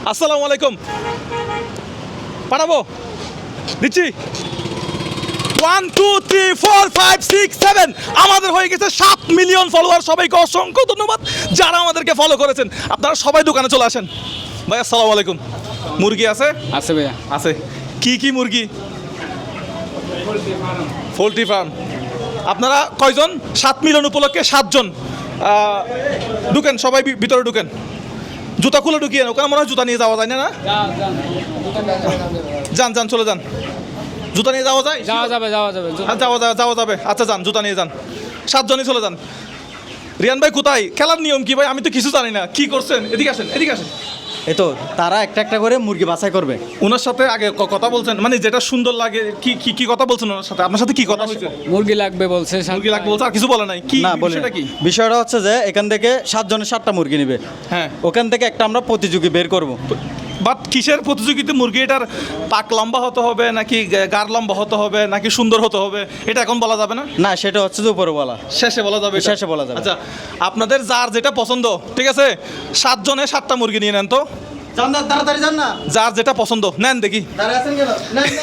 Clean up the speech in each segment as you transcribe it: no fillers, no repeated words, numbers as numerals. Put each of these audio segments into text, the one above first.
আসসালামু আলাইকুম। পাঠাবো, দিচ্ছি। 1 2 3 4 5 6 7 আমাদের হয়ে গেছে 7 মিলিয়ন ফলোয়ার। সবাইকে অসংখ্য ধন্যবাদ যারা আমাদেরকে ফলো করেছেন। আপনারা সবাই দোকানে চলে আসেন। ভাই আসসালামু আলাইকুম। মুরগি আছে? আছে ভাইয়া, আছে। কি মুরগি? Poultry farm. আপনারা কয়জন? 7 মিলিয়ন উপলক্ষে 7 জন। ঢুকেন, সবাই ভিতরে ঢুকেন। জুতা খুলে ঢুকিয়ে ওখানে মনে হয় জুতা নিয়ে যাওয়া যায় না? যান চলে যান। জুতা নিয়ে যাওয়া যায়? যাওয়া যাবে। যাওয়া যাবে। আচ্ছা যান, জুতা নিয়ে যান। 7 জনই চলে যান। রিয়ান ভাই কোথায়? খেলার নিয়ম কি ভাই? আমি তো কিছু জানি না। কি করছেন? এদিকে আসেন। এই তো তারা একটা একটা করে মুরগি বাছাই করবে। ওনার সাথে আগে কথা বলছেন, মানে যেটা সুন্দর লাগে। কি কথা বলছেন ওনার সাথে? আপনার সাথে কি কথা হয়েছে? মুরগি লাগবে বলছে, মুরগি লাগবে বলছে, আর কিছু বলে নাই? কি না বলে বিষয়টা কি? বিষয়টা হচ্ছে যে এখান থেকে 7 জনের 7টা মুরগি নেবে। হ্যাঁ, ওখান থেকে একটা আমরা প্রতিযোগী বের করব। বাট কিসের প্রতিযোগিতা? মুরগি এটার পাক লম্বা হতে হবে নাকি গার লম্বা হতে হবে নাকি সুন্দর হতে হবে, এটা এখন বলা যাবে না? না, সেটা হচ্ছে যে উপরে বলা, শেষে বলা যাবে এটা? শেষে বলা যাবে। আচ্ছা, আপনাদের যার যেটা পছন্দ, ঠিক আছে, 7 জনে 7টা মুরগি নিয়ে নেন তো। জান না, তাড়াতাড়ি জান না। যার যেটা পছন্দ নেন দেখি। দাঁড়ায় আছেন কেন?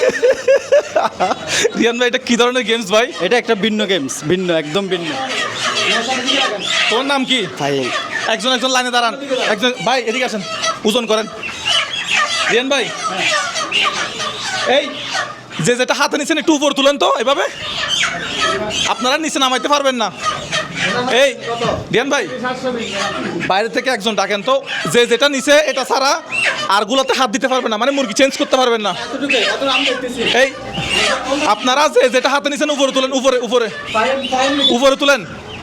রিয়ান ভাই, এটা কি ধরনের গেমস ভাই? এটা একটা ভিন্ন গেমস, একদম ভিন্ন। তোমার নাম কি? ফাইল। একজন লাইনে দাঁড়ান। একজন ভাই এদিকে আসেন, ওজন করেন। রিয়ান ভাই, এই যেটা হাতে নিচ্ছেন একটু উপর তুলেন তো, এভাবে। আপনারা নিচে নামাইতে পারবেন না। এই রিয়ান ভাই, বাইরে থেকে একজন ডাকেন তো, যেটা নিচে এটা ছাড়া আর গুলোতে হাত দিতে পারবেন না, মানে মুরগি চেঞ্জ করতে পারবেন না। এই আপনারা যেটা হাতে নিচ্ছেন উপরে তুলেন, উপরে তুলেন।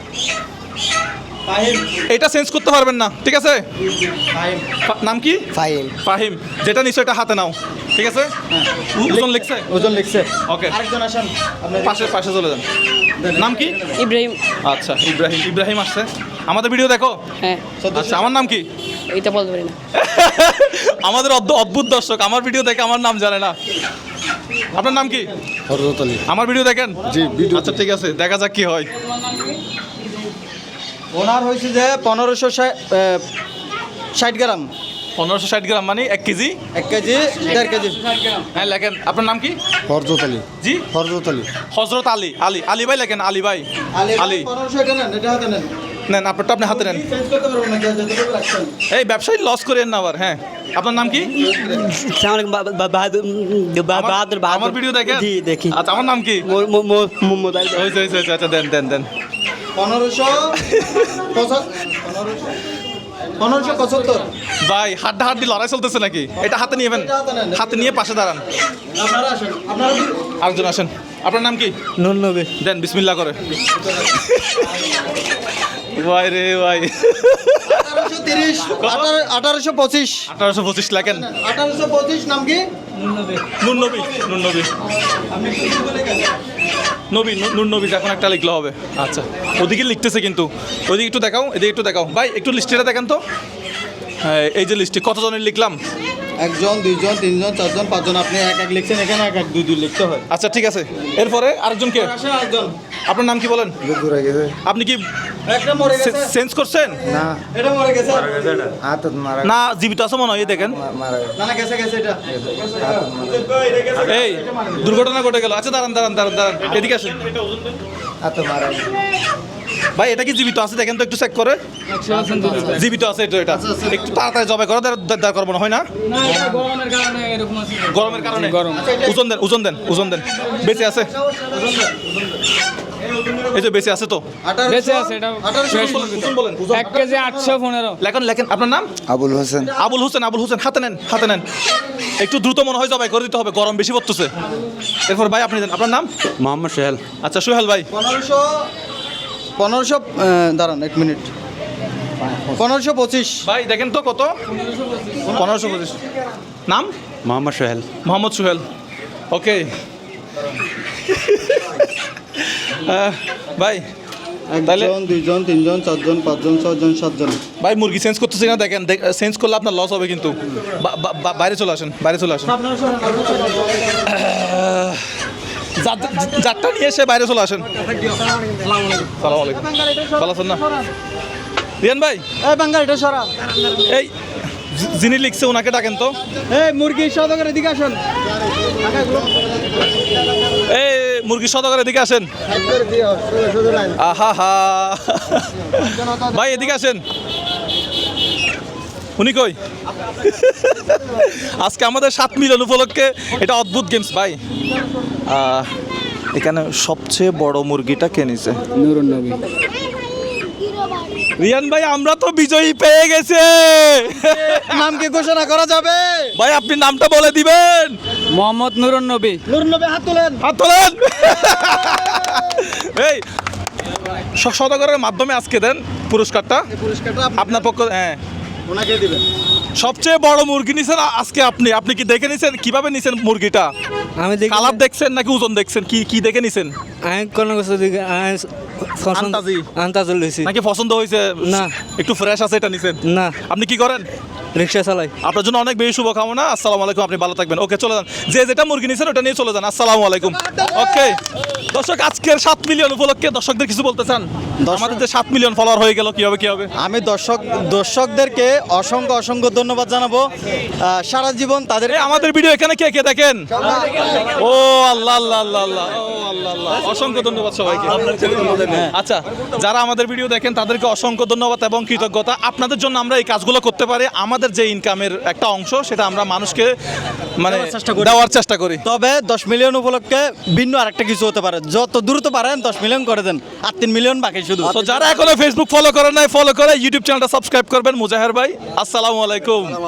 এটা চেঞ্জ করতে পারবেন না, ঠিক আছে? নাম কি? ফাহিম। যেটা নিশ্চয় এটা হাতে নাও, ঠিক আছে? ওজন লিখছে। ওকে, আরেকজন আসেন, পাশে চলে যান। নাম কি? ইব্রাহিম। আচ্ছা, ইব্রাহিম আসছে। আমাদের ভিডিও দেখো? হ্যাঁ। আচ্ছা, আমার নাম কি? এইটা বলতে পারি না। আমাদের অদ্ভুত দর্শক আমার ভিডিও দেখে আমার নাম জানে না। আপনার নাম কি? হযরত আলী। আমার ভিডিও দেখেন? জি, ভিডিও। আচ্ছা ঠিক আছে, দেখা যাক কি হয়। ওনার হয়েছে যে 1560 গ্রাম। 1560 গ্রাম মানে 1 কেজি? 1 KG 1.5 KG. হ্যাঁ লেখেন। আপনার নাম কি? হযরত আলী। জি, হযরত আলী। হযরত আলী। আলী ভাই লেখেন। আলী ভাই। আলী 1500 এটা নেন, এটা হাতে নেন। নেন, আপনারটা আপনি হাতে নেন। চেঞ্জ করতে পারবো না, যতটুকু রাখছেন। এই ব্যবসায়ী লস করেন না আবার। হ্যাঁ, আপনার নাম কি? আমার ভিডিও দেখেন? জি, দেখি। আচ্ছা, আমার নাম কি? হয়েছে। আচ্ছা দেন। 1575। ভাই হাড্ডি লড়াই চলতেছে নাকি? এটা হাতে নিয়েবেন, হাতে নিয়ে পাশে দাঁড়ান। আপনারা আসেন, আপনারা আরেকজন আসেন। আপনার নাম কি? নুন নবী। দেন, বিসমিল্লাহ করে। ভাই রে ভাই, 1830 1825 1825 লেখেন। 1825 নাম কি? নুন নবী। আপনি কি লেখেন? নুন নবী এখন একটা লিখলে হবে। আচ্ছা, ওদিকে লিখতেছে কিন্তু, ওদিকে একটু দেখাও, এদিকে একটু দেখাও। ভাই একটু লিস্টটা দেখেন তো। হ্যাঁ, এই যে লিস্টে কতজনের লিখলাম? 1 জন 2 জন 3 জন 4 জন 5 জন। আপনি এক লিখছেন, এখানে এক 2 লিখতে হয়। আচ্ছা ঠিক আছে, এরপরে আরেকজনকে। আসেন আরেকজন। আপনার নাম কি বলেন? ঘুরে গেছে। আপনি কি একটা মরে গেছে। চেঞ্জ করছেন? না, এটা মরে গেছে। হাত মারা না, জীবিত আছে মনে হয়। এই দেখেন, মারা না গেছে এটা। এই দুর্ঘটনা ঘটে গেল। আচ্ছা দাঁড়ান, এদিকে আসেন। হাত মারা। ভাই এটা কি জীবিত আছে দেখেন তো, একটু চেক করে। জীবিত আছে এটা একটু তাড়াতাড়ি জবাই করে দাঁড় করবো না, হয় না? গরমের কারণে। ওজন দেন। বেঁচে আছে? এই যে বেঁচে আছে তো? বেঁচে আছে। এটা ওজন বলেন। 1 কেজি 815। লেখেন। আপনার নাম? আবুল হোসেন। আবুল হোসেন। হাতে নেন। একটু দ্রুত মনে হয় জবাই করে দিতে হবে, গরম বেশি পড়তেছে। এরপর ভাই আপনি দেন। আপনার নাম? মোহাম্মদ সোহেল। আচ্ছা সোহেল ভাই। 1500 দাঁড়ান 1 মিনিট। 1525 ভাই দেখেন তো কত? 1525। নাম? মোহাম্মদ সোহেল। ওকে। ভাই তাহলে 1 জন 2 জন 3 জন 4 জন 5 জন 6 জন 7 জন। ভাই মুরগি চেঞ্জ করতেছি না, দেখেন। চেঞ্জ করলে আপনার লস হবে কিন্তু। বাইরে চলে আসেন। যারটা নিয়ে এসে বাইরে চলে আসেন। সালাম আলাইকুম। ভালো আছেন না রিয়ান ভাই? এই বাঙ্গাল এটা সরা। এই যিনি লিখছে ওনাকে ডাকেন তো। এই মুরগি সদাগর এদিকে আসুন। এই মুরগি সদাগর এদিকে আসেন। আহা হা ভাই এদিকে আসেন। উনি কই? আজকে আমাদের 7 মিলিয়ন উপলক্ষে এটা অদ্ভুত গেমস ভাই। এখানে সবচেয়ে বড় মুরগিটা কে নিছে? নুরুন নবী। রিয়ান ভাই আমরা তো বিজয়ী পেয়ে গেছে। নাম কি ঘোষণা করা যাবে? ভাই আপনি নামটা বলে দিবেন। মোহাম্মদ নুরুন নবী। নুরুন নবী হাত তুলেন। হাত তোলেন। এই সদাগরের মাধ্যমে আজকে দেন পুরস্কারটা পুরস্কারটা আপনার পক্ষ। হ্যাঁ ওনাকে দিবেন। সবচেয়ে বড় মুরগি নিছেন আজকে আপনি। আপনি কি দেখে নিছেন কিভাবে নিছেন মুরগিটা? আমি দেখি কালার দেখছেন নাকি ওজন দেখছেন? কি কি দেখে নিছেন? আমি কোন কিছু দেখি আন্তাজি? আন্তাজল লইছি। নাকি পছন্দ হয়েছে? না। একটু ফ্রেশ আছে এটা নিছেন? না, আপনি কি করেন? রিক্সা চালাই। আপনার জন্য অনেক বেশি শুভকামনা। আসসালামু আলাইকুম, আপনি ভালো থাকবেন। ওকে চলে যান, যে যেটা মুরগি নিছেন ওটা নিয়ে চলে যান। আসসালামু আলাইকুম। ওকে দর্শক, আজকের 7 মিলিয়ন উপলক্ষে দর্শকদের কিছু বলতে চান? আমাদের যে 7 মিলিয়ন ফলোয়ার হয়ে গেল, কি হবে কি হবে? আমি দর্শকদেরকে অসংখ্য ধন্যবাদ জানাবো। সারা জীবন তাদের এই আমাদের ভিডিও এখানে কে কে দেখেন? ও আল্লাহ আল্লাহ আল্লাহ আল্লাহ, ও আল্লাহ আল্লাহ, অসংখ্য ধন্যবাদ সবাইকে। আচ্ছা, যারা আমাদের ভিডিও দেখেন তাদেরকে অসংখ্য ধন্যবাদ এবং কৃতজ্ঞতা। আপনাদের জন্য আমরা এই কাজগুলো করতে পারি। আমাদের যে ইনকামের একটা অংশ সেটা আমরা মানুষকে মানে দেওয়ার চেষ্টা করি। তবে 10 মিলিয়ন উপলক্ষে ভিন্ন আরেকটা কিছু হতে পারে। যত দ্রুত পারেন 10 মিলিয়ন করে দেন। আর 3 মিলিয়ন বাকি শুধু। তো যারা এখনো ফেসবুক ফলো করেন নাই, ফলো করে ইউটিউব চ্যানেলটা সাবস্ক্রাইব করবেন। মুজাহের ভাই, আসসালামু আলাইকুম।